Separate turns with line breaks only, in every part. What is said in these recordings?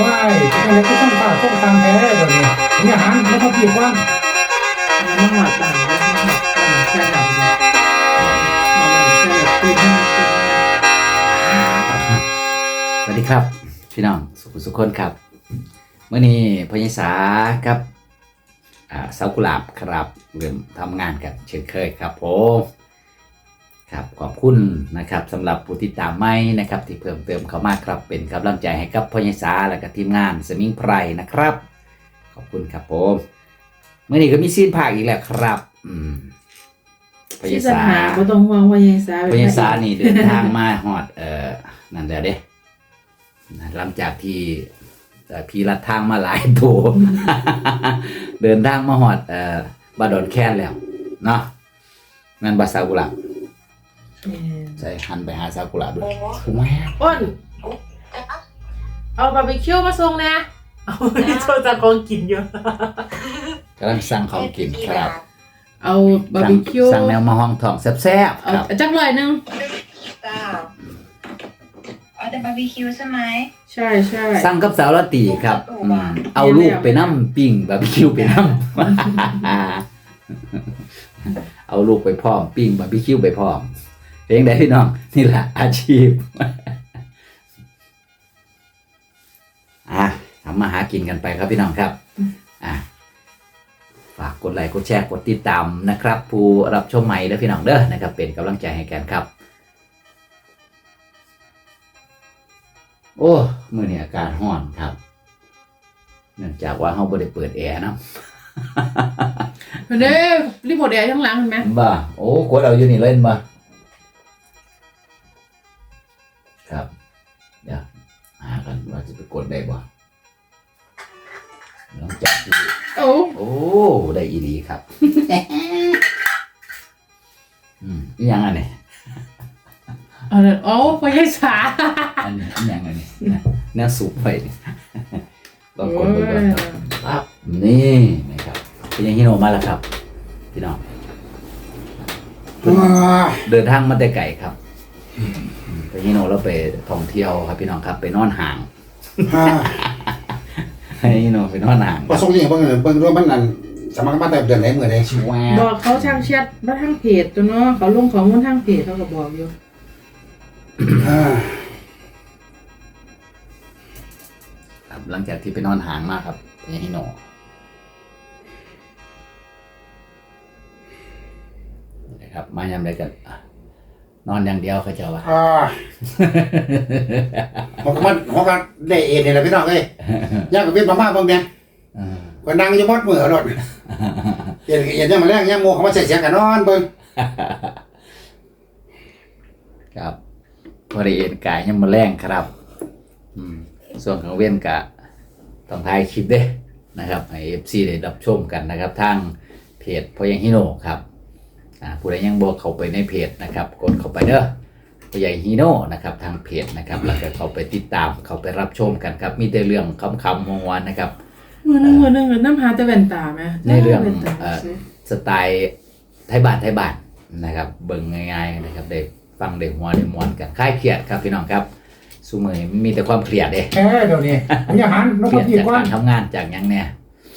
ว้ายเป็นอะไรก็ต้องฝ่าต้องตามแพ้เดี๋ยวนี้ผมอย่าหันแล้วก็ผิดว่าง
มันหอดต่างกันมันหอดต่างแค่ไหนมันแค่แบบตื่นขึ้น
สวัสดีครับพี่น้องสุขคนครับเมื่อนี้พญสาครับเสากุหลาบครับเริ่มทำงานกันเช่นเคยครับผมครับขอบคุณนะครับสำหรับผู้ติดตามใหม่นะครับที่เพิ่มเติมเข้ามาครับเป็นกำลังใจให้กับพญสาและก็ทีมงานสมิงไพรนะครับขอบคุณครับผมเมื่อนี้ก็มีซีนภาคอีกแล้วครับพญสา
ไม่ต้องห่วงพญสา
นี่เดินทางมาฮอดนั่นแหละเด้หลังจากที่พี่ลัดทางมาหลายตัว เดินทางมาฮอดบาดอนแค้นแล้วเนาะนั่นบาซากุระใส่หันไปหาซากุระด้วยแม่
อ้นเอาบาร์บีคิวมาส่งนะเอาโชว์จากของกินเยอะ
กำลังสั่งของกินครับ
เอาบาร์บีคิว
สั่งแนวมาห้องทองแซ่บๆครับ
จังเลยนึง
เอาแต่บาร์บีคิวใช่ไหม
ใช่ใช่
สั่งกับสาวละตีครับเอาลูกไปน้ำปิ้งบาร์บีคิวไปน้ำ เอาลูกไปพร้อมปิ้งบาร์บีคิวไปพร้อมเพลงใดพี่น้องนี่แหละอาชีพทำมาหากินกันไปครับพี่น้องครับฝากกดไลค์กดแชร์กดติดตามนะครับผู้รับชมใหม่และพี่น้องเด้อนะครับเป็นกำลังใจให้กันครับโอ้มื้อนี้อากาศร้อนครับเนื่องจากว่าเราบ่ได้เปิดแอร์นะ
เด้รีโมทแอร์ข้างหลังเห็นไหม
บ่โอ้กดเอาอยู่นี่เล่นบ่ครับเดี๋ยวหากันว่าจะไปกดได้บ่ลองจับดูโอ้ได้อีหลีครับนี่ยังอันนี้
พญสา
อันนี้ยังอันนี้แนวสูบไปลองกดดูก่อนครับนี่นะครับเป็นยังฮิโนมาแล้วครับพี่น้องเดินทางมาแต่ไกลครับไปฮิโนแล้วไปท่องเที่ยวครับพี่น้องครับไปนอนห่างให้ฮิโนไปนอนห่าง
ประสงค์ยังเบิ่งด้วยมันนั่นสมัครมาแต่เดือนไหนเมื่อใดชิว
บอกเขาช่างแชทมาทางเพจตัวเนาะเขาลงของมูลทางเพจเขาก็บอกอยู่
ครับหลังจากที่ไปนอนห่างมากครับพี่ฮิโนนะครับมายามใดกันนอนอย่างเดียวเขาจะว่า
ผมก็ได้เอ็นนี่แหละพี่น้องเอ้ยยากกับเป็นมากๆบางเนี่ยก็นั่งอยู่มดมือรถเอ็นยังมาแรงยังโมเขามาใส่เสียงกันนอนเบิ่ง
ครับพอได้เอ็นกายยังมาแรงครับส่วนของเว้นกะต้องถ่ายคลิปเด้นะครับให้ FC ได้รับชมกันนะครับทางเพจพยังฮิโนครับผู้ใดยังบอกเข้าไปในเพจนะครับกดเข้าไปเด้อพยังฮิโนนะครับทางเพจนะครับแล้วก็เข้าไปติดตามเข้าไปรับชมกันครับมีแต่เรื่องคำๆมวนๆนะครับ
มือนึงน้ำหาแต่แว่นตาไหม
ในเรื่องสไตล์ไทยบ้านนะครับเบิ่งง่ายๆนะครับได้ฟังได้หัวได้มวนกันคลายเครียดครับพี่น้องครับซุมื้อนี้มีแต่ความเครียดเด้
เดี๋ยวนี้ผมอย่าหัน
เครียดจากการทำงานจากหยังเนี่ย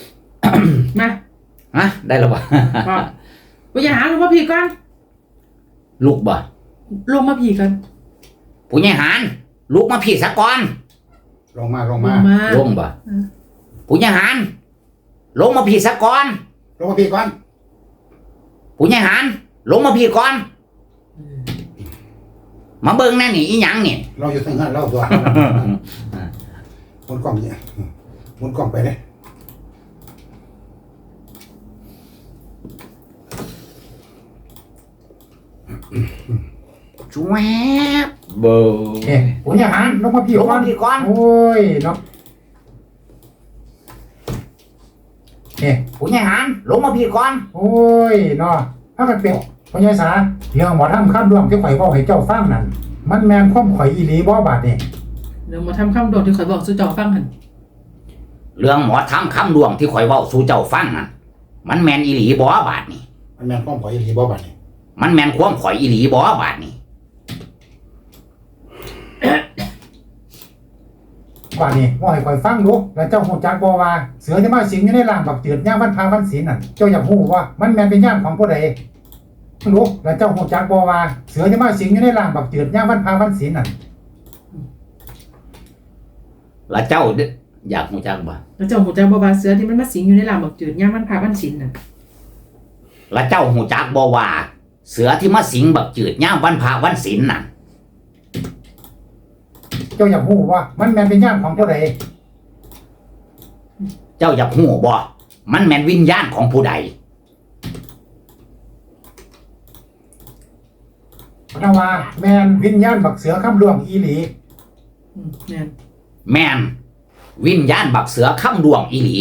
มา
ได้แล้วบ่
กูอย่าหันลงมาผีก่อน
ลุกบ่
ลงมาผีกัน
ผู้ใหญ่หันลุกมาผีซะก่อน
ลงมา
ลงบ่ผู้ใหญ่หันลงมาผีซะก่อน
ลงมาผีก่อน
ผู้ใหญ่หันลงมาผีก่อนมาเบิ่งแน่นี่อีหยังนี่
เราอยู่ทางนั้นเราตัวมุนกล้องเนี่ยมุนกล้องไปเลย
ช่วยเบอร์
ผมอย่าหันลงมาผีก่อนโอ้ยเนาะ
ผู้ใหญ่หันลงมาผีก่อน
โอ้ยเนาะถ้ากันเป็นพญาสาเรื่องหมอทำข้ามดวงที่ข่อยบอกให้เจ้าฟังนั่นมันแมนความข่อยอีหลีบ่บาดนี่
เดี๋ยวหมอทำข้ามดวงที่ข่อยบอกสู่เจ้าฟังหัน
เรื่องหมอทำข้ามดวงที่ข่อยบอกสู่เจ้าฟังนั่นมันแมนอีหลีบ่บาดนี่
มันแมนความข่อยอีหลีบ่บาดนี่
มันแมนความข่อยอีหลีบ่บาดนี่
ว่านี่ว่าให้ข่อยฟังดูแล้วเจ้าฮู้จักบ่ว่าเสือที่มาสิงอยู่ในร่างบักเจือดยามวันพาวันศีลนั่นเจ้าอยากฮู้ว่ามันแม่นเป็นญาณของผู้ใดรู้แล้วเจ้าฮู้จักบ่ว่าเสือที่มาสิงอยู่ในร่างบักเจือดยามวันพาวันศีลนั่น
แล้วเจ้าอยากหูจักบ่
แล้วเจ้าหูจักบ่ว่าเสือที่มันมาสิงอยู่ในลามบักจืดย่ามมันพาวันศีลน่ะ
แล้วเจ้าหูจักบ่ว่าเสือที่มาสิงบักจืดย่ามวันพระวันศีลน่ะ
เจ้าอยากฮู้ว่ามันแม่นเป็นญาณของผู้ใด
เจ้าอยากหูบ่มันแม่นวิญญาณของผู้ใด
นะว่าแม่นวิญญาณบักเสือคำล่วงอีหลี
แม่น
แม่นวิญญาณบักเสือค้ำดวงอีหลี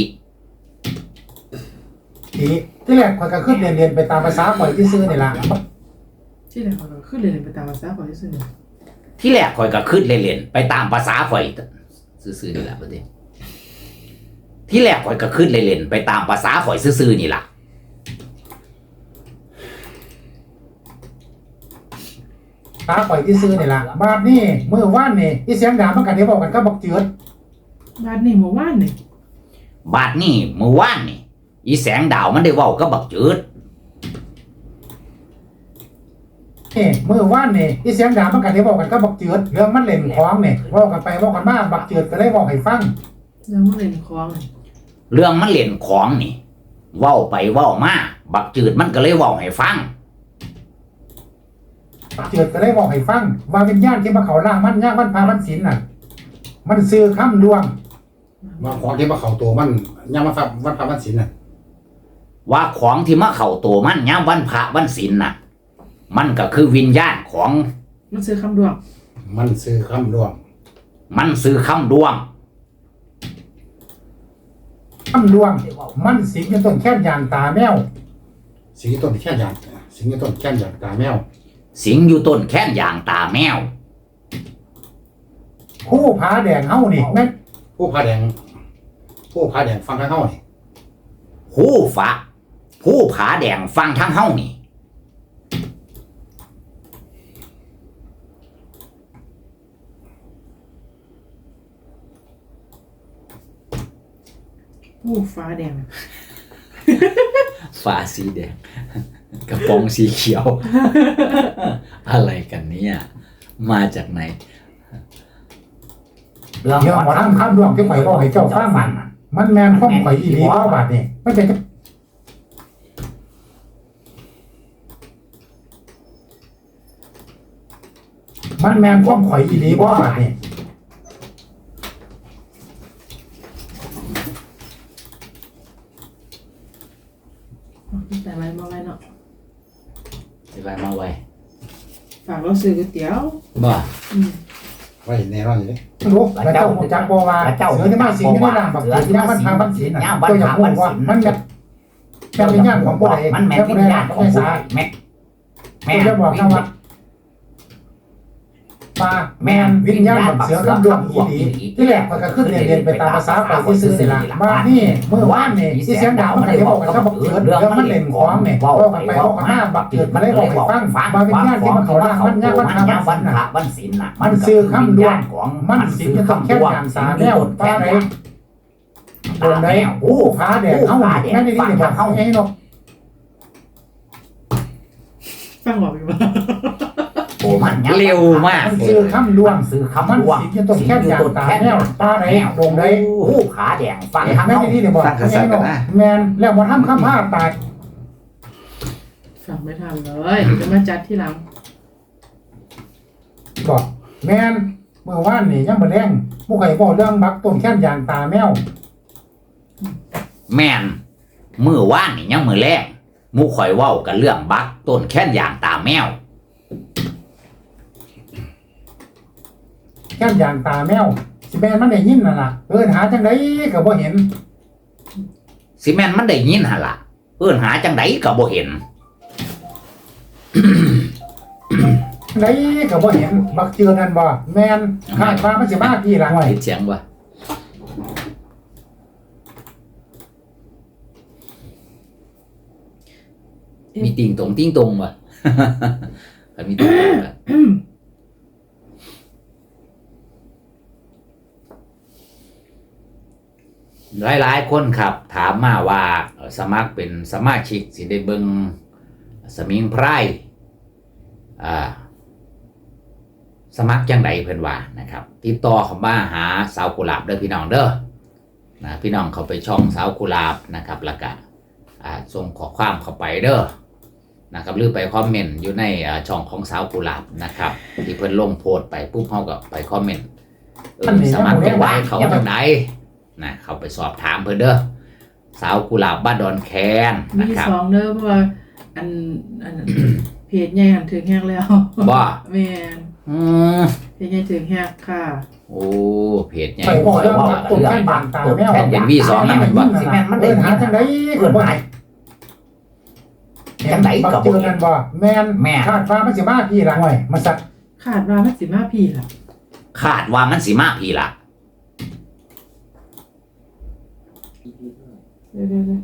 ทีที่แรกข่อยก็ขึ้นเรียนไปตามภาษาข่อยที่ซื้อนี่ล่ะ
ที่ไหนเขาก็ขึ้นเลยไปตามภาษาของที่ซื่อ
ที่แรกข่อยก็คิดเล่นๆไปตามภาษาข่อยซื่อๆนี่ล่ะบัดนี้ที่แรกข่อยก็คิดเล่นๆไปตามภาษาข่อยซื่อๆนี่ล่ะ
ตาข่อยที่ซื้อนี่ล่ะบาดนี้มื้อวานนี่อีเสียงด่ามันก็ได้บอกกันกับบักเจือด
บ้านนี่หมู่บ้านนี่
บาดนี้มื้อวานนี่อีแสงดาวมันได้เว้ากับบักจืด
นี่มื้อวานนี่อีเสียงด่ามันก็ได้บอกกันกับบักเจือดเรื่องมันเล่นของนี่เว้ากันไปเว้ากันมาบักเจือดก็เลยบอกให้ฟัง
แล้วมันเล่นคลองนี่
เรื่องมันเล่นของนี่ เว้าไปเว้ามาบักจืดมันก็เลยเว้าให้ฟัง
บักเจือดก็เลยบอกให้ฟังว่าวิญญาณที่มาเข้าร่างมันยามวันพาวันศีลน่ะมันซื้อคำดวงว่าของที่มาเข้าตัวมันยามวันพาวันศีลน่ะ
ว่าของที่มาเข้าตัวมันยามวันพระวันศีลน่ะ มันก็คือวิญญาณของ
มันซื้อคำดวง
มันซื้อคำดวง
มันซื้อคำดวง
คำดวงมันสิงอยู่ต้นแค่นยางตาแมวสิงอยู่ต้นแค่นยางสิงอยู่ต้นแค่นยางตาแมว
สิงอยู่ต้นแค้นอย่างตาแมว
ผู้ผาแดงเฮานี่แม่นผู้ผาแดงฟังทางเฮานี่
ผู้ผาแดงฟังทั้งเฮานี่
ผู้ฟ้าแดง
ฟ้าสีแดง กระป๋องสีเขียว อะไรกันเนี่ยมาจากไหน
เรื่องหมอทำคำดวงที่ข่อยบอกให้เจ้าฟังมันแม่นความข่อยอีหลีบ่บาดนี่มันเป็นมันแม่นความข่อยอีหลีบ่บาดนี่
แต่ไว้มาไว้เนาะ
ไปมาไว้
ฝากเราซื้อก๋วยเตี๋ยว
บ่
ไว้แน่นอนอยู่ดิรู้แล้วเจ้าฮู้จักบ่ว่าเสือที่มาสิงอยู่ในร่างบักเสือที่มันพาวันศีลน่ะเจ้าอยากฮู้ว่ามันแม่นเป็นญาณของผู้ใด
มันแม่นวิญญาณของผู้ใดแม่น
จะบอกนะว่าปลาแมนวิญญาณบักเสือคำดวงอีหลีที่แรกข่อยก็ขึ้นเรียนไปตามภาษาข่อยที่ซื้อนี่ล่ะบ้านนี่เมื่อวานนี่อีเสียงดาวมันก็ได้บอกกันกับบักเจือดเรื่องมันเล่นของนี่เว้ากันไปเว้ากันมาบักเจือดมันเลยบอกให้ฟังว่าวิญญาณที่มันเข้าร่างมันยามวันพาวันศีลน่ะมันซื้อคำดวงของมันสิงจะต้องแค่ยามสาแนวปลาไหนโดนได้โอ้ผาแดงเฮาแม่นนี่นี่บอกเฮาให้เนาะ
ฟังบอกอยู่ว่า
โอ้มันเร็วมาก
มันซื้อคำดวง
ซื้อ
มัน
คำดวง
สิงจะต้องแค่ยามตาแนวปลาไหนโดนได้
ผู้ขาแดงฟังทั้ง
แม่
เฮา
นี่นี่บอกแมนแล้วมาทำคำพาตาย
ฟังไม่ทันเลยจะมาจัดที่หลัง
บอกแมนเมื่อวานนี่ยังมาแรงผู้ใครบอกเรื่องบักต้นแค่นยางตาแมว
แม่นมื้อวานนี่ยังมื้อแรกหมู่ข่อยเว้ากันเรื่องบักต้นแค้นอย่างตาแมว
แค่นยางตาแมวสิแมนมันได้ยินน่ะล่ะหาจังไดก็บ่เห็น
สิแม่นมันได้ยินหั่นล่ะหาจังไดก็บ่เห็น
ไดก็บ่เห็นบักเจือนั่นบ่แมนคาดว่ามันสิมาทีหลังไว้
ติดเสียงบ่มีติ่งตรงบ่ ถ้ามีติ่งตรงบ่หลายๆคนครับถามมาว่าสมัครเป็นสมาชิกสิได้เบิ่งสมิงไพรสมัครจังไดเพิ่นว่านะครับติดต่อเข้ามาหาสาวกุหลาบเด้อพี่น้องเด้อนะพี่น้องเข้าไปช่องสาวกุหลาบนะครับแล้วก็ส่งข้อความเข้าไปเด้อนะครับหรือไปคอมเมนต์อยู่ในช่องของสาวกุหลาบนะครับที่เพิ่นลงโพสต์ไปปุ๊บเฮาก็ไปคอมเมนต์สมัครจังไดเขาจังไดนะเข้าไปสอบถามเพิ่นเด้อสาวกุหลาบบ้านดอนแคนนะครับ
มี2เด้อเพราะว่าอัน เพจใหญ่หันถึงแฮกแล้ว
บ่
แม่น เพจใหญ่ถึงแฮกค่ะ
โอ้เพจใหญ่
ไปบอกเรื่องตุ่มแค่บางตาแมว
แผ่นเป็นV2นั่นแม่นบ่
สิแม่นมันเดินหาจังได๋เกิดบ่จังได๋ก็บ่เห็นบ่แม่นคาดว่ามันสิมาพี่ละห้อยมันสัก
ขาดว่ามันสิมาพี่ล่ะ
คาดว่ามันสิมาพี่ล่ะ
เดี๋ยว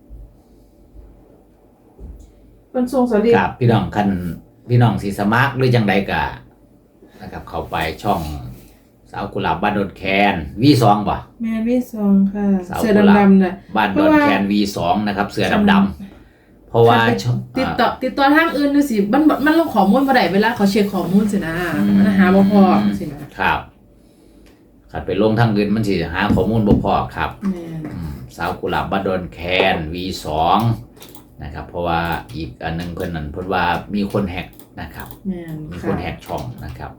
เพิ่นส่งสลิป
ครับพี่น้องคันพี่น้องสิสมัครหรือจังใดก็นะครับเข้าไปช่องสาวกุหลาบบ้านดอนแคน V2 บ่
แม่นมี2ค่ะ
สาว
เสื้อ
กุหลาบ
ดำๆน่ะ
บ้านดอนแคน V2 นะครับเสื้อดำๆเพราะว่า
ติดต่อทางอื่นดูสิมันลงข้อมูลบ่ได้เวลาเขาเช็คข้อมูลสินะมันหาบ่พอสินะครับ
คันไปลงทางอื่นมันสิหาข้อมูลบ่พอครับ
แม่น
สาวกุหลาบบ้านดอนแคน V2 นะครับเพราะว่าอีกอันนึงเพิ่นนั่นเพิ่นว่ามีคนแฮกนะครับ
แม่น
มีคนแฮกช่องนะครับ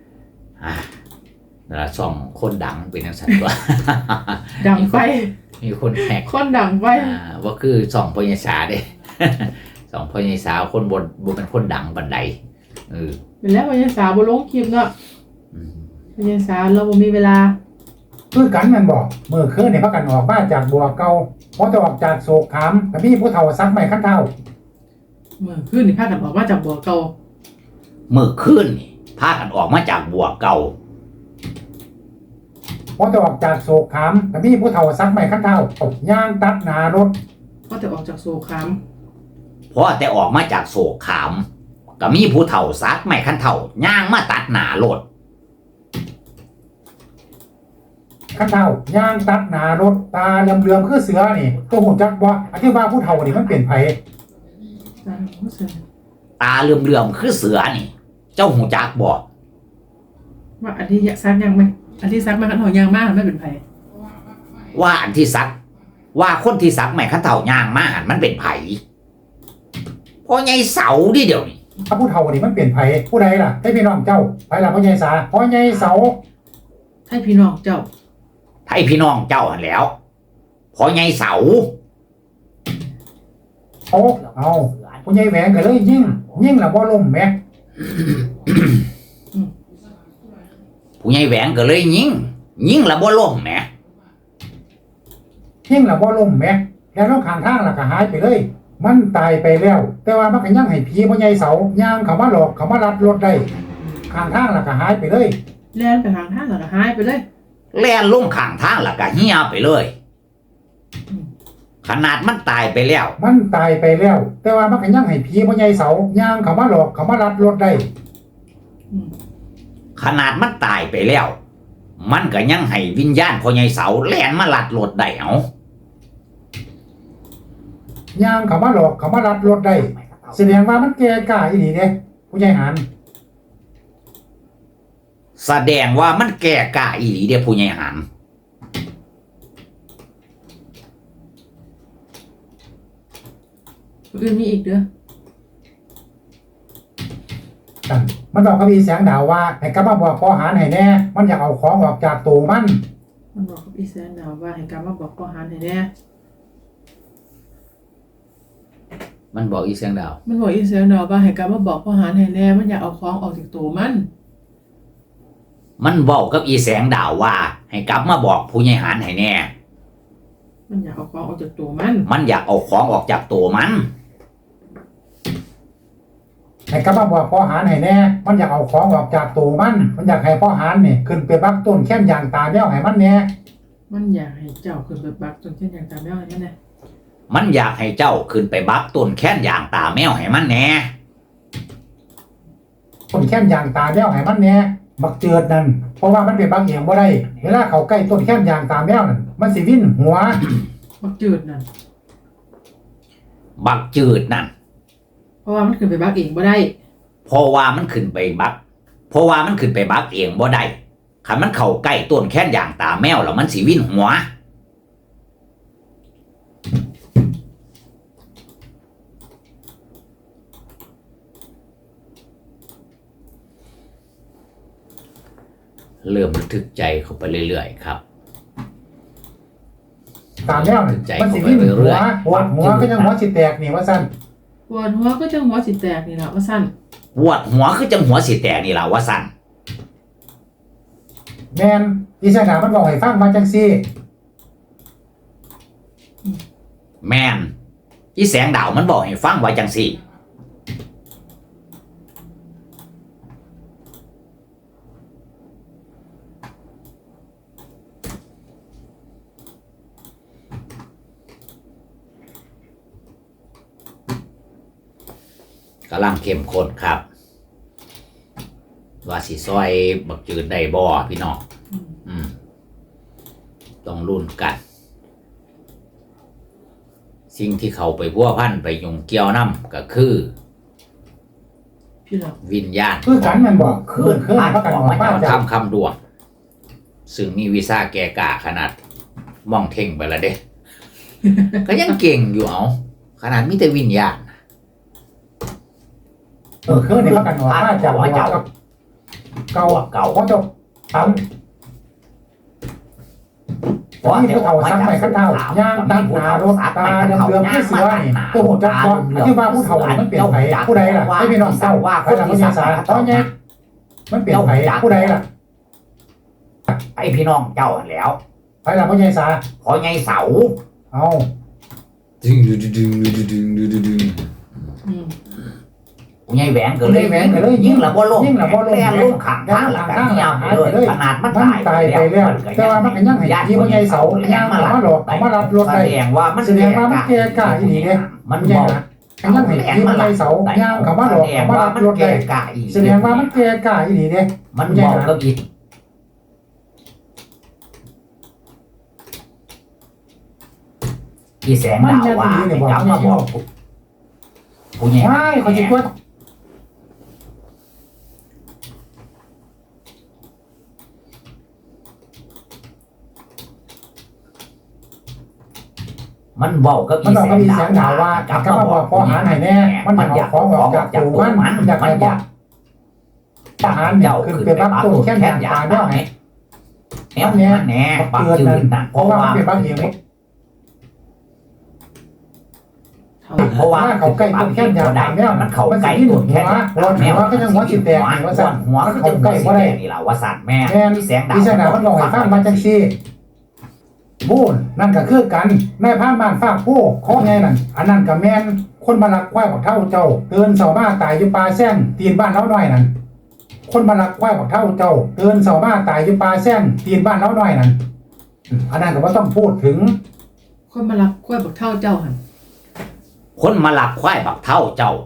นั่นล่ะช่องคนดังเป็นจังซั่นตัว
ดังไฟ
มีคนแฮก
คนดังไฟ
ว่าคือช่องพญสาเด้ ช่องพญสาคนบ่เป็นคนดังปานใด
เป็นแล้วพญาสาวบ่ลงคลิปเนาะ
อืม
พญาสาวเราบ่มีเวลา
คือกันแม่นบ่มื้อคืนนี่พากันออกมาจากบัวเก่าพอจะออกจากโศกขามก็มีผู้เฒ่าซักไม้คันเท้า
เมื่อคืนนี่พากันออกมาจากบ่อเก่า
มื้อคืนนี่พากันออกมาจากบัวเก่า
พอจะออกจากโศกขามก็มีผู้เฒ่าซักไม้คันเท้าย่างตัดหน้ารถ
ก็จะออกจากโซคาม
เพราะแต่ออกมาจากโศกขามก็มีผู้เฒ่าซักไม้คันเฒ่าย่างมาตัดหน้ารถ
คันเท้าย่างตัดหน้ารถตาเหลื่อมๆคือเสือนี่ตัวหูจักบ่อธิบายผู้เฒ่านี่มันเป็นไผ
ตามผู้เสนอ
ตาเหลื่อมๆคือเสือนี่ เจ้าหูจักบ่
ว่าอันที่ซักยังไหมอันที่ซักมาขันหอยางมากไม่เป็นไผ
ว่าอันที่ซักว่าคนที่ซักไม้คันเฒ่าย่างมาหันมันเป็นไผเพราะไงเสาดิเดี๋ยวนี้
ถ้าผู้เฒ่านี่มันเป็นไผผู้ใดล่ะให้พี่น้องเจ้าไผล่ะพ่อใหญ่สาพ่อใหญ่เสา
ให้พี่น้องเจ้า
ไทยพี่น้องเจ้าหันแหล้วเพราะไงเสา
โอ้เอาผู้ใหญ่แหวงก็เลยยิ่งล่ะบ่ล่มแหม
ผู้ใหญ่แหวงก็เลยยิงละบ่ล่มแหม
ยิ่งล่ะบ่ล่มแหมแล้วลงข้างทางล่ะก็หายไปเลย มันตายไปแล้ว แต่ว่ามันก็ยังให้ผีพ่อใหญ่เสาย่างเข้ามาหลอกเข้ามาลัดรถได้ข้างทางล่ะก็หายไปเลย
แล่นไปทางท่าแล้วก็หายไปเลย
แล่นลงข้างทางแล้วก็เหี่ยไปเลย ขนาดมันตายไปแล้ว
มันตายไปแล้ว แต่ว่ามันก็ยังให้ผีพ่อใหญ่เสาย่างเข้ามาหลอกเข้ามาลัดรถได้
ขนาดมันตายไปแล้ว มันก็ยังให้วิญญาณพ่อใหญ่เสาแล่นมาลัดรถได้เอา
ย่างเข้ามาหลอกเข้ามาลัดรถได้แสดงว่ามันแก่กล้าอีหลีเด้ผู้ใหญ่หาน
แสดงว่ามันแก่กล้าอีหลีเด้ผู้ใหญ่หัน
อื่นมีอีกเด้อ
กันมันบอกกับอีแสงดาวว่าให้กลับมาบอกพ่อหานให้แน่มันอยากเอาของออกจากตัวมัน
มันบอกกับอีแสนดาวว่าให้การมาบอกพ่อหานให้แน่
มันบอกอีเสียงดาว
มันบอกอีแสนดาวว่าให้การมาบอกพ่อหานให้แน่มันอยากเอาของออกจากตัวมัน
มันบอกกับอีแสงดาวว่า ให้กลับมาบอกผู้ใหญ่หันให้แน่
มันอยากเอาของออกจากตัวมัน
มันอยากเอาของออกจากตัวมัน
ให้กลับมาบอกพ่อหานให้แน่มันอยากเอาของออกจากตัวมันอยากให้พ่อหานนี่ขึ้นไปบักต้นแค้นยางตาแมวให้มันแน่
มันอยากให้เจ้าขึ้นไปบักจนเช่นอย่างตามแม่นั่นแหละ
มันอยากให้เจ้าขึ้นไปบักต้นแค้นอย่างตาแมวให้มันแน่
ต้นแค้นยางตาแมวให้มันแน่บักเจิดนั่นเพราะว่ามันเป็นบักเองบ่ได้เวลาเขาใกล้ต้นแค้นยางตาแมวนั่นมันสิวิ่นหัว
บักจืดนั่น
บักจืดนั่น
เพราะว่ามันขึ้นไปบักเองบ่ได้
เพราะว่ามันขึ้นไปบักเองบ่ได้คันมันเข้าใกล้ต้นแค้นอย่างตาแมวแล้วมันสิวิ่นหัวเริ่มระทึกใจเข้าไปเรื่อยๆครับ
ตาแมวนั่นมันสิวิ่นหัวปวดหัวก็ยังหัวสิแตกนี่ว่าซั่น
ปวดหัวก็จะหัวสิแตกนี่ล่ะว่าซั่น
ปวดหัวคือจังหัวสิแตกนี่ล่ะว่าสั่น
แม่นอีแสงดาวมันบอกให้ฟังมาจังซี่
แม่นอีแสงดาวมันบอกให้ฟังว่าจังซี่กำลังเข้มข้นครับ ว่าสิซอยบักจืดได้บ่พี่น้องต้องรุ่นกัน สิ่งที่เขาไปพัวพันไปยุ่งเกี่ยวน้ำก็คือ
พี่น้อง
วิญญาณ
คือกันมันบอกคือพระกันบอกป้าจ้ะ
คำดวงซึ่งมีวีซ่าแก่กาขนาดมองเท่งไปแล้วเด้ ก็ยังเก่งอยู่เอาขนาดมีแต่วิญญาณ
คือนี่พระกันบอกป้าจ้ะว่าเก่าเขาจะทำนี่เขาสั่งไปขั้นเท้าย่างตัดหนารถตาเดือมที่เสือนี่ตัวหัวจักรที่ว่าผู้เฒ่ามันเปลี่ยนไผผู้ใดล่ะให้พี่น้องเศร้าว่าเขาจะมีสาตอนนี้มันเปลี่ยนไผผู้ใดล่ะ
ไอพี่น้องเจ้าแล้ว
ไปล่ะพ่อใหญ่สา
พอไงเสา
เอา
ดึงไงแหวนก็เลยยิ่งละบ่ลงแล่ลงขังทางหลังเงียบเลยขนาดมันตายไปแล้ว
แต่ว่ามันก็ยังให้ที่พ่อใหญ่เสาย่างมาหลอกมารับรถ
แส
ได้
ดงว่ามัน
แสดงว่ามันแก่กล้าอีหลีเด้
มัน
ใหญ่
บอก
นะยังให้ที่พ่อใหญ่เสาย่างเขามาหลอกมารับรถได้
กะอีก
แสดงว่ามันแก่กล้าอีหลีเด้
มันบอกกับอีกที่แสงดาวว่าจำมาบอกผู้ใหญ่
ไม่เขาจะกด
มันบอกกับ
มันบอกก็มีเสียงด่าว่าจับก็มาบอกพอหารให้แน่มันอยากของออกจากตูมันอยากให้บอกทหารเนี่ยขึ้นไปรับตู้แค่แค่ตาเนาะไง
แน่แน่ปักจืดนั่น
เพราะว่ามันเป็นบางเอง เพราะว่าเขาใกล้ต้นแค่ยางตาแมวมันเขาใกล้ต้นแค่หัวก็ยังหัวจิตแตกว่าสั่นหัวก็จะใกล้ว่าได้
นี่แหละว่าสั่นแม่
แม่ที่แสงดาวมันบอกให้ฟังมาจังซี่บูนนั่นก็คือกันแม่พานบ้านฟากผู้ข้อไงนั่นอันนั้นกับแม่นคนมาลักควายบอกเท่าเจ้าเตือนเสาบ้าตายอยู่ปลาแซงตีนบ้านเล้าน้อยนั่นคนมาลักควายบอกเท่าเจ้าเตือนเสาบ้าตายอยู่ปลาแซงตีนบ้านเล้าน้อยนั่นอันนั้นก็ว่าต้องพูดถึง
คนมารักกล้วยบักเท่าเจ้าหั่น
คนมาหลับควายบักเท่าเจ้า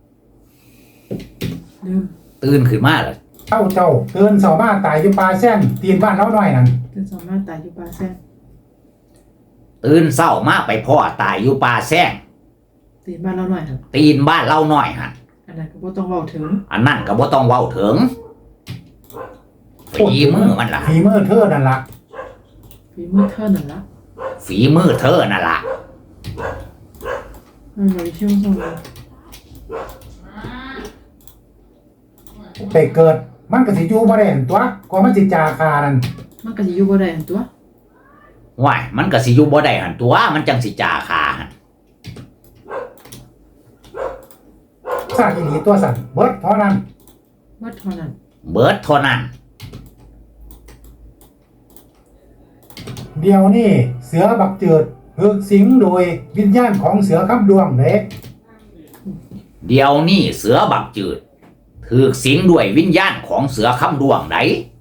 ลืม
ตื่นขึ้นมาเลย
เท่าเจ้าเตือนเสาบ้าตายอยู่ปลาแซงตีนบ้านเล้าน้อยนั่น
เป็นสามารถตายอยู่ปลาแซ่บ
ตื่นเศร้ามาไปพ่อตายอยู่ป่าแซง
ตีนบ้านเราหน่อยครับ
ตีนบ้านเล่าน้อยหัน
อันนั้นก็บ่ต้องเว้าถึง
อันนั่นก็บ่ต้องเว้าถึงฝีมือมันล่ะ
ฝีมือเธอนั่นล่ะ
ฝีมือเท่านั่นละ
ฝีมือเธอนั่นล่ะ
มันบ่ได้ชื่อส่งเลย
ไปเกิดมันก็สิอยู่บ่ได้หั่นตัวก็มันสิจาคานั่น
มันก็สิอยู่บ่ได้หั่นตัว
ว้ายมันก็สิอยู่บ่ได้หันตัวมันจังสิจ่าขาหัน
ซาอีหลีตัวสั่นเบิดเท่านั้น
ว่าเท่านั้น
เบิดเท่านั้น
เดี๋ยวนี้เสือบักเจิดถูกสิงโดยวิญญาณของเสือคำดวงเด้
เดี๋ยวนี้เสือบักจืดถูกสิงด้วยวิญญาณของเสือคำดวงได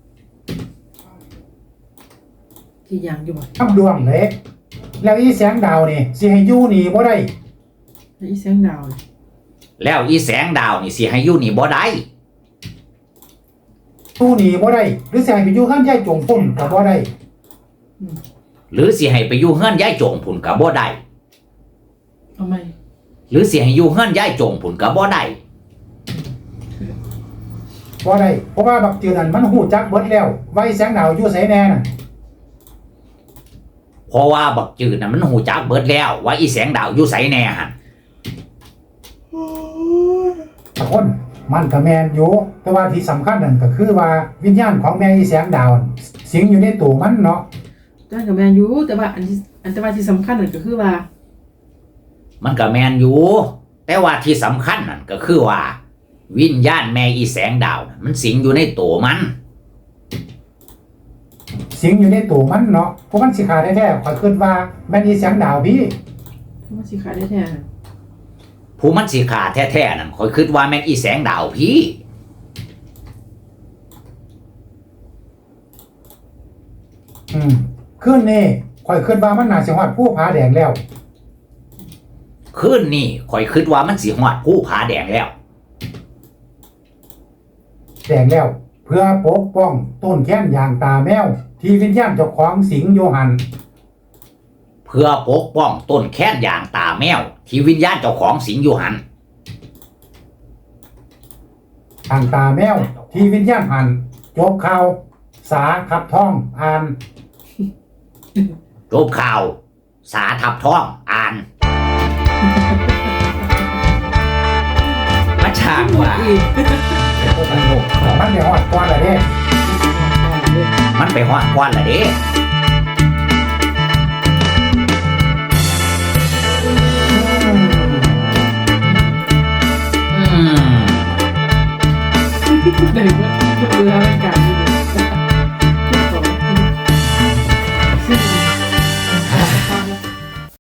ที่ยังอยู่บ่
คำดวงเด้แล้วอีแสงดาวนี่สิให้อยู่นี่บ่ได้
แล้วอีแสงดาวนี่
แล้วอีแสงดาวนี่สิให้อยู่นี่บ่ได้
ตู้หนีบ่ได้หรือสิให้ไปอยู่ข้างยายจงพุ่นก็บ่ได้
หรือสิให้ไปอยู่เฮือนยายจงพุ่นก็บ่ได้
เอาไหม
หรือสิให้อยู่เฮือนยายจงพุ่นก็บ่ได้
บ่ได้เพราะว่าบักจือนั่นมันฮู้จักเบิดแล้วไว้แสงดาวอยู่ไสแน่น่ะ
เพราะว่าบักจืดน่ะมันหูจักเบิดแล้วว่าอีแสงดาวอยู่ไสแน่หั่น
ตะคนมันก็แม่นอยู่แต่ว่าที่สำคัญนั่นก็คือว่าวิญญาณของแม่อีแสงดาวสิงอยู่ในตัวมันเนาะ
ได้กับแมนยูแต่ว่าแต่ว่าที่สำคัญนั่นก็คือว่า
มันก็แม่นอยู่แต่ว่าที่สำคัญนั่นก็คือว่า วิญญาณแม่อีแสงดาวน่ะมันสิงอยู่ในตัวมัน
สิงอยู่ในตัวมันเนาะเพราะมันสิขาดแท้ๆข่อยคิดว่าแม่นอีแสงดาวพี่
มันสิขายได้แท้
ผู้มันสิขาแท้ๆนั่นคอยคิดว่าแม่นอีแสงดาวพี่
คืนนี้ข่อยคิดว่ามันน่าสิฮอดผู้ผาแดงแล้ว
คืนนี้คอยคิดว่ามันสิฮอดผู้ผาแดงแล้ว
แดงแล้ว เพื่อปกป้องต้นแค้นอย่างตาแมว ที่วิญญาณเจ้าของสิงอยู่หัน
เพื่อปกป้องต้นแค้นอย่างตาแมว ที่วิญญาณเจ้าของสิงอยู่หัน
ทางตาแมว ที่วิญญาณหันจบข่าว สาขับท่องอ่าน
จบข่าว สาทับท้องอ่านมาช่างว่า
อีก
มันเดี๋ยวฮอดก่อนละเด้
มันไปฮอดกวนละเด้
อืม
อืม
ได้ว่าเบื่อเป็นการ